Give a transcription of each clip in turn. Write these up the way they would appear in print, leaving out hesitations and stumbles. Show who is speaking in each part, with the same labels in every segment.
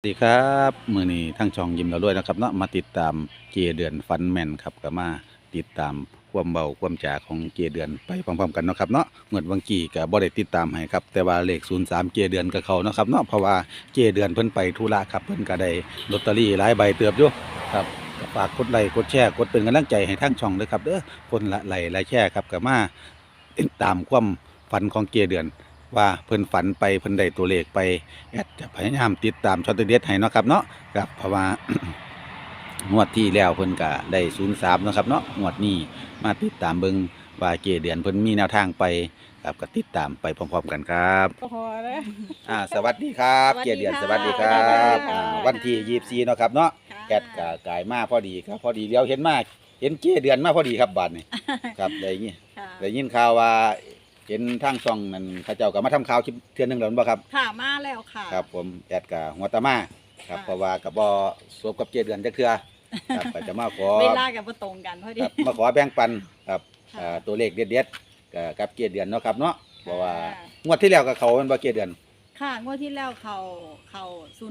Speaker 1: สวัสดีครับมื้อนี้ทั้งช่องยิ้มเราด้วยนะครับเนาะมาติดตามเกเดือนฟันแม่นครับก็มาติดตามความเบาความจ่าของเกเดือนไปพร้อมๆกันเนาะครับเนาะเมื่อวันกี้ก็บ่ได้ติดตามให้ครับแต่ว่าเลข03เกเดือนกับเขาเนาะครับเนาะเพราะว่าเกเดือนเพิ่นไปธุระครับเพิ่นก็ได้ลอตเตอรี่หลายใบเติบอยู่ครับก็ฝากกดไลค์กดแชร์กดเป็นกำลังใจให้ทั้งช่องด้วยครับเด้อคนละไลค์ละแชร์ครับก็มาติดตามความฝันของเกเดือน ว่าเพิ่นฝันไปเพิ่นได้ตัวเลขไปแอดจะพยายามติดตามช็อตเด็ดให้เนาะครับเนาะครับเพราะว่า งวดที่แล้วเพิ่นก็ได้03เนาะครับเนาะงวดนี้มาติดตามเบิ่งว่าเกเดือนเพิ่นมีแนวทางไปครับก็ติดตามไปพร้อมๆกันครับ
Speaker 2: พอแล้ว
Speaker 1: สวัสดีครับเกเดือนสวัสดีครับวันที่24เนาะครับเนาะแอดก็กายมาพอดีครับพอดีเลี้ยวเห็นมาเห็นเกเดือนมาพอดีครับบัดนี้ครับได้ยินข่าวว่าเห็นทางช่องนั้นเขาเจ้าก็มาทำข่าวคลิปเทื่อนึงแล้วบ่ครับ
Speaker 2: ค่ะมาแล้วค่ะ
Speaker 1: ครับผมแอดกับหัวตามาครับเพราะว่ากับบ่สวบกับเกเดือนจักเทื่อครับก็จะมาขอ
Speaker 2: เวลากับบ่ตรงกันพอดี
Speaker 1: ครับมาขอแบ่งปันครับตัวเลขเด็ดๆกับเกเดือนเนาะครับเนาะเพราะว่างวดที่แล้วก็เขามันบ่เกเดือน
Speaker 2: ค่ะงวดที่แล้วเขา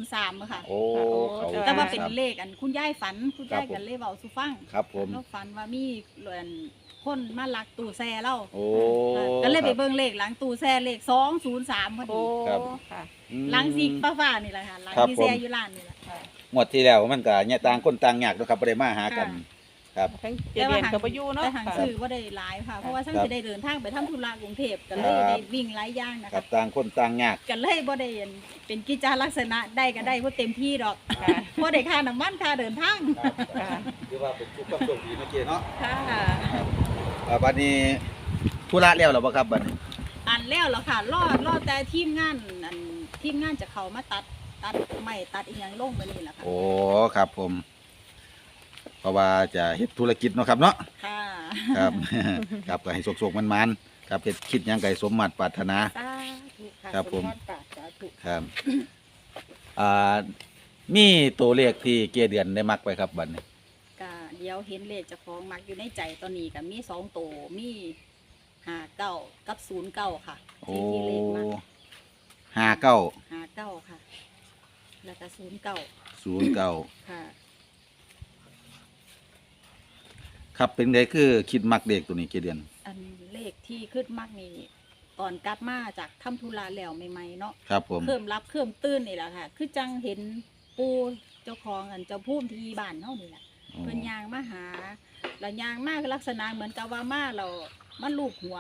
Speaker 2: 03ค่ะ
Speaker 1: โอ้
Speaker 2: แต่ว่าเป็นเลขอันคุณยายฝันคุณยายกันเลยเว้าสู่ฟัง
Speaker 1: ครับผม
Speaker 2: แล้วฝันว่ามีคนมาลักตู้แช่เรา
Speaker 1: โอ้
Speaker 2: ก็เลยไปเบิ่งเลขหลังตู้แช่เลข203พอดี
Speaker 1: ครับ
Speaker 2: ค่ะหลังซิกฟ้าๆนี่แหละค่ะหลังที่แช่อยู่ร้านนี่แหละ
Speaker 1: งวดที่แล้วมันก็เนี่ยต่างคนต่างยากเนาะครับบ่ได้มาหากันครับ
Speaker 2: ทั้งเดือนก็บ่อยู่เนาะแต่ทางซื้อบ่ได้หลายค่ะเพราะว่าทั้งสิได้เดินทางไปทำธุระกรุงเทพก็เลยได้วิ่งหลายอย่างนะ
Speaker 1: ครั
Speaker 2: คะ
Speaker 1: บต่างคนต่างยาก
Speaker 2: ก็เลยบ่ได้เป็นกิจลักษณะได้ก็ได้บ่เต็มที่ดอกบ่ได้ค่าน้ำมันค่าเดินทาง
Speaker 1: คือว่าเป็นทุกความโชคดีเมื่อกี้เนาะ
Speaker 2: ค่ะ
Speaker 1: บัดนี้ธุระแล้วเหรอบ่ครับบัดนี้
Speaker 2: อันแล้วค่ะรอแต่ทีมงานทีมงานจะเข้ามาตัดไม้ตัดอีหยังลงไปนี่แหละค่ะ
Speaker 1: โอ้ครับผมเพราะว่าจะเฮ็ดธุรกิจเนาะครับเนาะ
Speaker 2: ค่ะ
Speaker 1: ครับครับก็ให้สุกๆมันๆครับเฮ็ดคิดหยังไงสมมาตรปรารถนา
Speaker 2: สาธุค่ะ
Speaker 1: ครับผม
Speaker 2: สาธุ
Speaker 1: ครับอ่ามีตัวเลขที่เกเดือนได้มักไปครับบัดนี้
Speaker 2: ก็เดี๋ยวเห็นเลขเจ้าของมักอยู่ในใจตอนนี้ก็มี2ตัวมี59กับ09ค่ะที่เลขมัก59ค่ะแล้วก็09ค่ะ
Speaker 1: ครับเป็นไงคือคิดมักเด็กตัวนี้เกเดือน
Speaker 2: อันเลขที่ขึ้นมักนี่ตอนกลับมาจากทำธุระแล้วใหม่ๆเนาะ
Speaker 1: ครับผม
Speaker 2: เพิ่มรับเพิ่มตื่นนี่แหละค่ะคือจังเห็นปูเจ้าของเจ้าพุ่มที่บ้านเฮานี่แหละเพิ่นย่างมาหาแล้วย่างมากลักษณะเหมือนกับว่ามาเรามันลูบหัว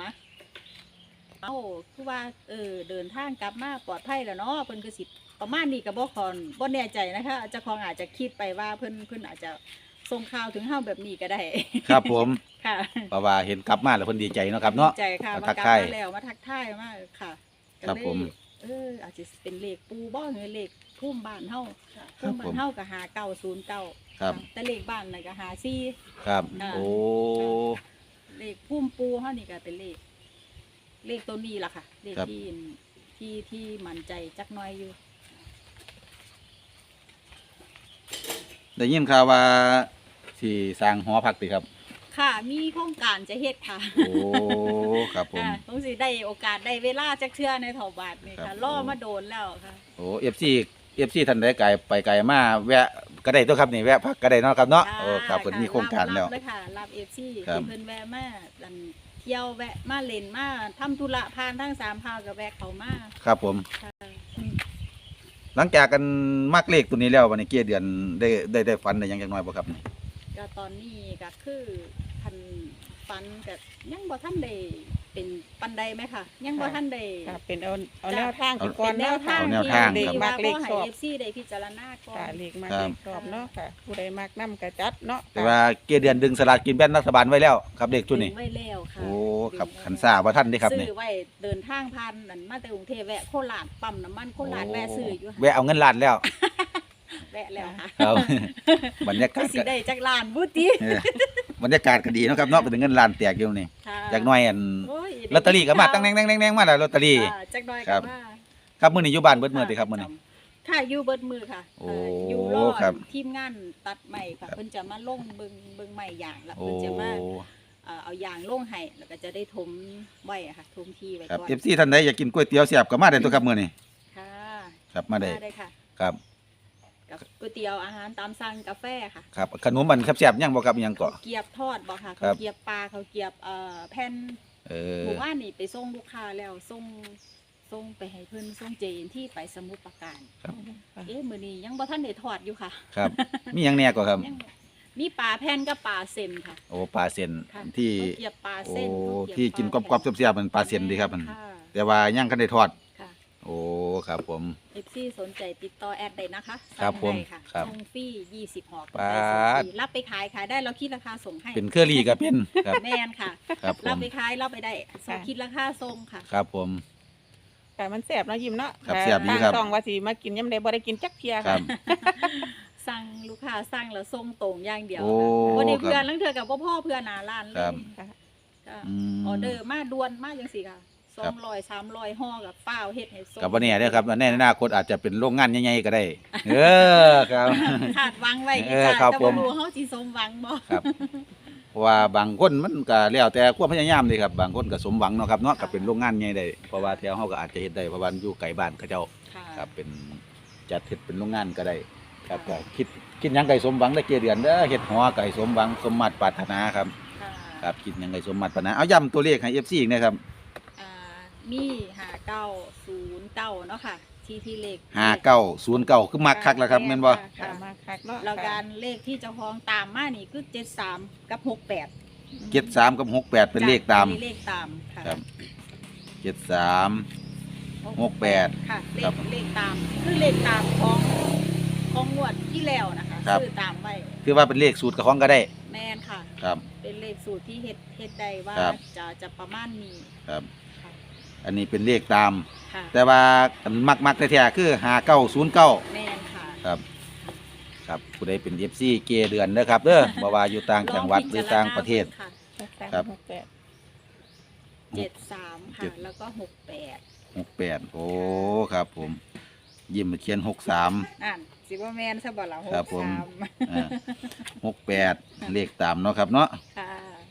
Speaker 2: คือว่าเดินทางกลับมาปลอดภัยแล้วเนาะเพิ่นก็สิประมาณนี้ก็บ่แน่ใจนะคะเจ้าของอาจจะคิดไปว่าเพิ่นอาจจะส่งข่าวถึงเฮาแบบนี้ก็ได้
Speaker 1: ครับผม
Speaker 2: ค่ะ
Speaker 1: เพราะว่าเห็นกลับมาแล้วเพิ่นดีใจเนาะครับเนาะ
Speaker 2: ดีใจค่ะมากลับมาแล้วมาทักทายมากค่ะ
Speaker 1: ครับผม
Speaker 2: อาจจะเป็นเลขปูบ่หรือเลขพุ่มบ้านเฮาพุ่มบ้านเฮาก็5909
Speaker 1: ครับ
Speaker 2: แต่เลขบ้านน่ะก็54
Speaker 1: ครับโอ้
Speaker 2: เลขพุ่มปูเฮานี่ก็เป็นเลขตัวนี้ล่ะค่ะเลขที่มั่นใจจักหน่อยอยู่
Speaker 1: ได้ยินข่าวว่าที่สร้างหอพักติครับ
Speaker 2: ค่ะมีโครงการจะเฮ็ดค่ะ
Speaker 1: โอ้ครับผม
Speaker 2: ต้องสิได้โอกาสได้เวลาจักเทื่อในเถาบาทนี่ค่ะรอมาโดนแล้วค่ะ
Speaker 1: โอ้ FC ท่านใดไกลไปไกลมาแวะก็ได้ตัวครับนี่แวะพักก็ได้เนาะครับเนาะโอ้ครับเพิ่นมีโครงการแล้ว
Speaker 2: เลยค่ะรับ FC ที่เพิ่นแวะมาเที่ยวแวะมาเล่นมาทำธุระผ่านทั้ง3พาวก็แวะเข้ามา
Speaker 1: ครับผมหลังจากกันมักเลขตัวนี้แล้ววันนี้เกียเดือนได้ฝันได้ยังจักหน่อยบ่ครับนี่
Speaker 2: ก็ตอนนี้ก็คือทันฝันก็ยังบ่ทันได้เป็นปันใดไหมค่ะยังบ่ทันได้
Speaker 3: เป็นเอาแนวทางก่อน
Speaker 2: แนวทาง
Speaker 3: เลขมากเลขชอบ
Speaker 2: FC ได้พิจารณาก่อน
Speaker 3: เลขมากเลขชอบเนาะค่ะผู้ใดมักนำกระจัดเนาะ
Speaker 1: แต่ว่าเกียเดือนดึงสลากกินแบ่งรัฐบาลไว้แล้วครับเลขชุดนี้
Speaker 2: ไว้แล้วค่ะ
Speaker 1: โอ้ครับขันซ่าว่าท่านได้ครับนี่
Speaker 2: ซื้อไว้เดินทางผ่านนั่นมาแต่กรุงเทพแวะโคราชปั๊มน้ำมันโคราชแวะซื้ออยู่
Speaker 1: แวะเอาเงินล้านแล้ว
Speaker 2: แวะแล้วค่ะ
Speaker 1: ครับบรรยากาศ
Speaker 2: สิได้จักล้านบุติ
Speaker 1: บรรยากาศก็ดีเนาะครับเนาะเป็นเงินล้านแตกอยู่นี่จักหน่อยลอตเตอรี่ก็มาตั้งแน่งๆมาแล้วลอตเตอรี่
Speaker 2: จักหน่อยก็มา
Speaker 1: ครับมื้อนี้อยู่บ้านเบิดมื้อติครับมื้อนี้
Speaker 2: ค่ะอยู่เบิดมื้อค่ะอยู่รอทีมงานตัดใหม่ค่ะเพิ่นจะมาลงเบิ่งใหม่อย่างแล้วเพิ่นจะมาเอายางลงให้แล้วก็จะได้ถมไว้ค่ะถมที่ไว้ก่อน
Speaker 1: ครับ FC ท่านใดอยากกินก๋วยเตี๋ยวแซ่บก็มาได้ตัวครับมื้อนี้
Speaker 2: ค่ะ
Speaker 1: ครับมาได้
Speaker 2: ค่ะ
Speaker 1: ครับ
Speaker 2: กับก๋วยเตี๋ยวอาหารตามสั่งกาแฟค่ะ
Speaker 1: ครับขนมมันแซ่บๆยังบ่ครับยัง
Speaker 2: ข้าว
Speaker 1: เกาะ
Speaker 2: เกรียบทอดบ่ค่ะ
Speaker 1: ครั
Speaker 2: ข้าว
Speaker 1: บ
Speaker 2: เกรียบปลาข้าวเกรียบแผ่น หมู่บ้านนี่ไปส่งลูกค้าแล้วส่งไปให้เพิ่นส่งเจนที่ไปสมุทรปราการ
Speaker 1: ครับ
Speaker 2: มื้อนี้ยังบ่ทันได้ทอดอยู่ค่ะ
Speaker 1: ครับมีหยังแหน่ก็ครับ
Speaker 2: ยังมีปลาแผ่นกับปลาเส้นค่ะ
Speaker 1: โอ้ปลาเส้น
Speaker 2: ค่ะ
Speaker 1: ที่
Speaker 2: ข้าวเกรียบปลา
Speaker 1: โอ้
Speaker 2: เส้นข้าวเรียบ
Speaker 1: ที่กินก
Speaker 2: ปลาร
Speaker 1: อบๆ
Speaker 2: แผ่น
Speaker 1: เสียบๆมันปลาเส้นดีครับมัน
Speaker 2: ค่ะ
Speaker 1: แต่ว่ายังคันได้ทอด
Speaker 2: ค่ะ
Speaker 1: โอ้ครับผม
Speaker 2: FC สนใจติดต่อแอดได้นะคะ
Speaker 1: ครับผม
Speaker 2: สั่งได้ค่ะ
Speaker 1: ครับ
Speaker 2: ส่งฟรี20ห่อ
Speaker 1: ปาด
Speaker 2: รับไปขายได้เราคิดราคาส่งให้
Speaker 1: เป็นเครือรี่ก็เป็นครับ
Speaker 2: แม่นค่ะ
Speaker 1: ครับผ
Speaker 2: รับ
Speaker 1: ม
Speaker 2: ไปขายรับไปได้ส่งคิดราคาส่งค่ะ
Speaker 1: ครับผม
Speaker 3: ค่ะมันแซ่บเนาะยิ้มเนาะ
Speaker 1: ครับแซ่บดีครับ
Speaker 3: ทางช่องว่าสิมากินยามใดบ่ได้กินจักเที่ย
Speaker 1: ครั
Speaker 3: ค่ะ
Speaker 1: บ
Speaker 2: สั่งลูกค้าสั่งแล้วส่งตรงอย่างเดียว
Speaker 1: โอ้
Speaker 2: วันนี้
Speaker 1: ครับ
Speaker 2: เพื่อนลังเทือกับพ่อเพื่อนหน้าร้านเล
Speaker 1: ครั
Speaker 2: ย
Speaker 1: บ
Speaker 3: ค่ะ
Speaker 2: ก็
Speaker 1: ม
Speaker 2: ออเดอร์มาด่วนมากจังสิค่ะ
Speaker 1: ครับ
Speaker 2: 200 300ห่อกับเปล่าเฮ็ดให้ส่ง
Speaker 1: กับวันนี้เด้อครับในอนาคตอาจจะเป็นโรงงานใหญ่ๆก็ได้ เออครับ
Speaker 2: คาดหวังไว้
Speaker 1: เออครับ
Speaker 2: แต่
Speaker 1: ผ
Speaker 2: บ่
Speaker 1: ม
Speaker 2: รู้เฮาสิสมหวังบ่
Speaker 1: ครับเพราะว่าบางคนมันก็แล้วแต่ความพยายามเลยครับบางคนก็สมหวังเนาะครับเนาะก็เป็นโรงงานใหญ่ได้เพราะว่าแถวเฮาก็อาจจะเฮ็ดได้เพราะว่าอยู่ไกลบ้านเขาเจ้า
Speaker 2: ค่ะ
Speaker 1: ครับเป็นจัดเฮ็ดเป็นโรงงานก็ได้ครับก็คิดหยังไก่สมหวังได้เกเดือนเด้อเฮ็ดหัวไก่สมหวังสมมาตรปรารถนาครับ
Speaker 2: ค่ะ
Speaker 1: ครับคิดหยังไก่สมมาตรปรารถนาเอาย้ำตัวเลขให้ FC อีกนะครับ
Speaker 2: อ่ามี5909เนาะค่ะที่เลข
Speaker 1: 5909คือมักคักแล้วครับแม่นบ่
Speaker 3: ค่ะมาคักเนาะ
Speaker 2: แล้วการเลขที่เจ้าของตามมานี่คือ73กับ68
Speaker 1: 73กับ68เป็นเลขตาม
Speaker 2: เลขตามค่ะ
Speaker 1: ครับ73 68
Speaker 2: ค่ะเล
Speaker 1: ครั
Speaker 2: ข
Speaker 1: บ
Speaker 2: เลขตามคือเลขตามของงวดที่แล้วนะคะ
Speaker 1: ครับ
Speaker 2: ซื้อตามไว้
Speaker 1: คือว่าเป็นเลขสูตรกับของก็ได้
Speaker 2: แม่นค่ะ
Speaker 1: ครับ
Speaker 2: เป็นเลขสูตรที่เฮ็ดได้ว่า
Speaker 1: ครับ
Speaker 2: จะประมาณนี้
Speaker 1: ครับ
Speaker 2: ค่ะ
Speaker 1: อันนี้เป็นเลขตาม
Speaker 2: ค่ะ
Speaker 1: แต่ว่ามักแท้ๆคือ5909
Speaker 2: แม่นค่ะ
Speaker 1: ครับครับผู้ใดเป็น FC เกเดือนเด้อครับเด้อบ่ว่าอยู่ต่างจังหวัดหรือต่างประเทศ
Speaker 2: ค่ะ
Speaker 1: ครับ
Speaker 2: 73ค่ะแล้วก็68
Speaker 1: 68โอ้ครับผม ยิ้มเขียน63
Speaker 2: อ่านสิบ่แม่นซะบ่ล่ะ
Speaker 1: ครับผม
Speaker 2: 63
Speaker 1: อ่า68เลขตามเนาะครับเนาะ
Speaker 2: ค่ะ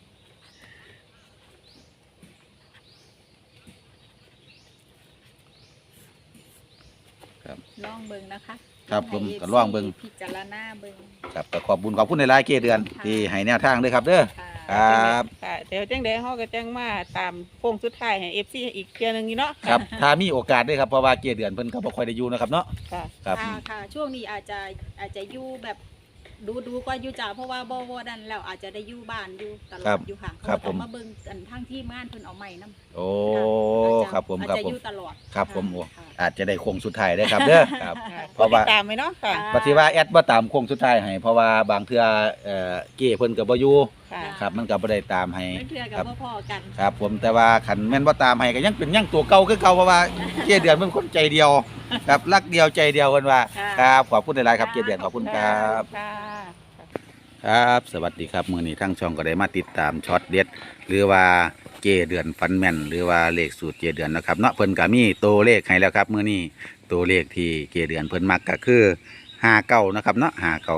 Speaker 1: ครับ
Speaker 2: ลองเบิ่งนะคะ
Speaker 1: ครับผม
Speaker 2: ให้
Speaker 1: ก็ลองเบิ่ง
Speaker 2: พิจารณาเบิ่ง
Speaker 1: ครับก็ขอบคุณในหลายๆเกเดือน
Speaker 2: ค่ะ
Speaker 1: ที่ให้แนวทางเด้อครับเด้อ
Speaker 2: ค่ะ
Speaker 1: ครับ
Speaker 3: ค่ะเดี๋ยวจังได๋เฮาก็จังมาตามโค้งสุดท้ายให้ FC อีกเที่ยหนึงนี่เนาะ
Speaker 1: ครับถ้ามีโอกาสเด้อครับเพราะว่าเกเดือนเพิ่นก็บ่ค่อยได้อยู่นะครับเนาะ
Speaker 3: ค่ะ
Speaker 1: ครับ
Speaker 2: ค่ะช่วงนี้อาจจะอยู่แบบดูกว่าอยู่จ้าเพราะว่าบ่ดันแล้วอาจจะได้อยู่บ้านอยู่ตล
Speaker 1: ครั
Speaker 2: อบ ดอยู่ค่ะ
Speaker 1: ครับ
Speaker 2: เพาะว่า
Speaker 1: ผม
Speaker 2: ต้องมาเบิ่งกันทางที่ม่านเพิ่นเอาใหม่นำ
Speaker 1: โอ้ครับผม
Speaker 2: อาจ
Speaker 1: ครับ
Speaker 2: จะ
Speaker 1: ผ
Speaker 2: อ
Speaker 1: ม
Speaker 2: ยู่ตลอด
Speaker 1: ครับผมโอ้
Speaker 2: ค่ะ
Speaker 1: อาจจะได้โค้งสุดท้ายเด้อครับเด้อครับ
Speaker 3: ค่ะ
Speaker 1: เพราะว่า
Speaker 3: ติดตามไว้เนาะค่ะ
Speaker 1: ปฏิว่าแอดบ่ตามโค้งสุดท้ายให้เพราะว่าบางเทื่อเก้เพิ่นก็บ่อยู่
Speaker 3: ค่ะ
Speaker 1: ครับมันก็บ่ได้ตามให้
Speaker 2: นั่นคือ
Speaker 1: ค
Speaker 2: กั
Speaker 1: รั
Speaker 2: บบ พ่อๆกัน
Speaker 1: ครับผมแต่ว่าคันแม่นบ่ตามให้ก็ยังเป็นยังตัวเก่าคือเก่าเพราะว่าเก้เดือนเป็นคนใจเดียว ครับรักเดียวใจเดียวเพิ่นว่า
Speaker 2: ค่ะ
Speaker 1: ครับขอบคุณหลายๆครับเก้เดือนขอบคุณครับ
Speaker 3: ค่ะ
Speaker 1: ครับ สวัสดีครับมื้อนี้ทั้งช่องก็ได้มาติดตามช็อตเด็ด หรือว่าเก้เดือนฟันแม่นหรือว่าเลขสูตรเก้เดือนนะครับเนาะเพิ่นก็มีตัวเลขให้แล้วครับมื้อนี้ตัวเลขที่เก้เดือนเพิ่นมักก็คือ59นะครับเนาะ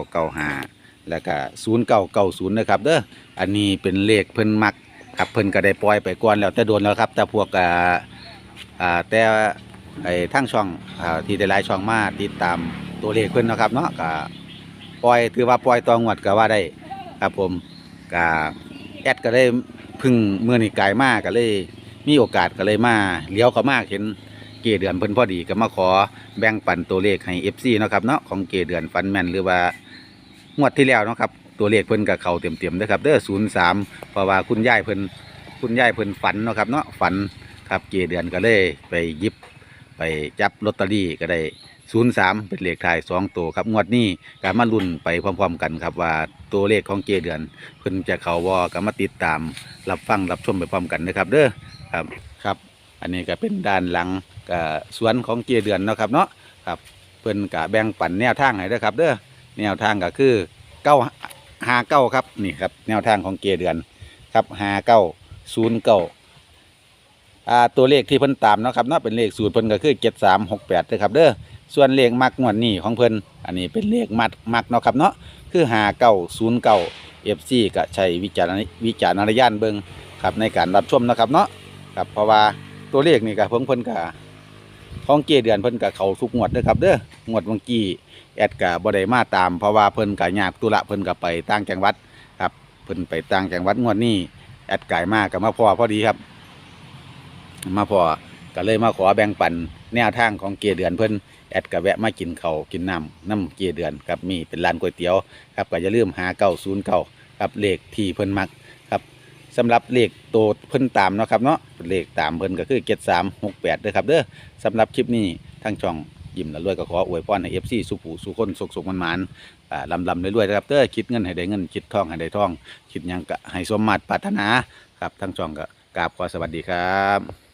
Speaker 1: 5995แล้วก็0990นะครับเด้ออันนี้เป็นเลขเพิ่นมักครับเพิ่นก็ได้ปล่อยไปก่อนแล้วแต่โดนแล้วครับแต่พวกแต่ไอ้ทั้งช่องที่ได้หลายช่องมาติดตามตัวเลขเพิ่นเนาะครับเนาะก็ปล่อยถือว่าปล่อยตองวดก็ว่าได้ครับผมก็แอดก็ได้พึ่งมื้อนี้กายมาก็เลยมีโอกาสก็เลยมาเลี้ยวเข้ามาเห็นเกเดือนเพิ่นพอดีก็มาขอแบ่งปันตัวเลขให้ FC เนาะครับเนาะของเกเดือนฟันแม่นหรือว่างวดที่แล้วเนาะครับตัวเลขเพิ่นก็เข้าเต็มๆเด้อครับเด้อ03เพราะว่าคุณยายเพิ่นฝันเนาะครับเนาะฝันครับเกเดือนก็เลยไปหยิบไปจับลอตเตอรี่ก็ได้03เป็นเลขท้าย2ตัวครับงวดนี้ก็มาลุ้นไปพร้อมๆกันครับว่าตัวเลขของเกเดือนเพิ่นจะเข้าบ่ก็มาติดตามรับฟังรับชมไปพร้อมกันนะครับเด้อครับ อันนี้ก็เป็นด้านหลังสวนของเกเดือนเนาะครับเนาะครับเพิ่นก็แบ่งปันแนวทางให้เด้อครับเด้อแนวทางก็คือ959ครับนี่ครับแนวทางของเกเดือนครับ5909ตัวเลขที่เพิ่นตามเนาะครับเนาะเป็นเลขสูตรเพิ่นก็คือ7368เด้อครับเด้อส่วนเลขมักงวดนี้ของเพิ่นอันนี้เป็นเลขมักเนาะครับเนาะคือ5909 FC ก็ใช้วิจารณญาณเบิ่งครับในการรับชมนะครับเนาะครับเพราะว่าตัวเลขนี่ก็เพิ่นก็ของเกเดือนเพิ่นก็เข้าทุกงวดเด้อครับเด้องวดเมื่อกี้แอดก็บ่ได้มาตามเพราะว่าเพิ่นก็ยากธุระเพิ่นก็ไปต่างจังหวัดครับเพิ่นไปต่างจังหวัดงวดนี้แอดกายมาก็มาพอดีครับมาพอก็เลยมาขอแบ่งปันแนวทางของเกเดือนเพิ่นแอดก็แวะมากินข้าวกินน้ำเกเดือนครับมีเป็นร้านก๋วยเตี๋ยวครับก็อย่าลืมหา909ครับเลขที่เพิ่นมักครับสำหรับเลขโตเพิ่นตามเนาะครับเนาะเลขตามเพิ่นก็คือ7368เด้อครับเด้อสำหรับคลิปนี้ทางช่องยิ้มละรวยก็ขออวยพรให้ FC สุขสุขคนสุขมันหมานลำรวยๆนะครับเด้อคิดเงินให้ได้เงินคิดทองให้ได้ทองคิดหยังก็ให้สมมาตรปรารถนาครับทางช่องก็กราบขอสวัสดีครับ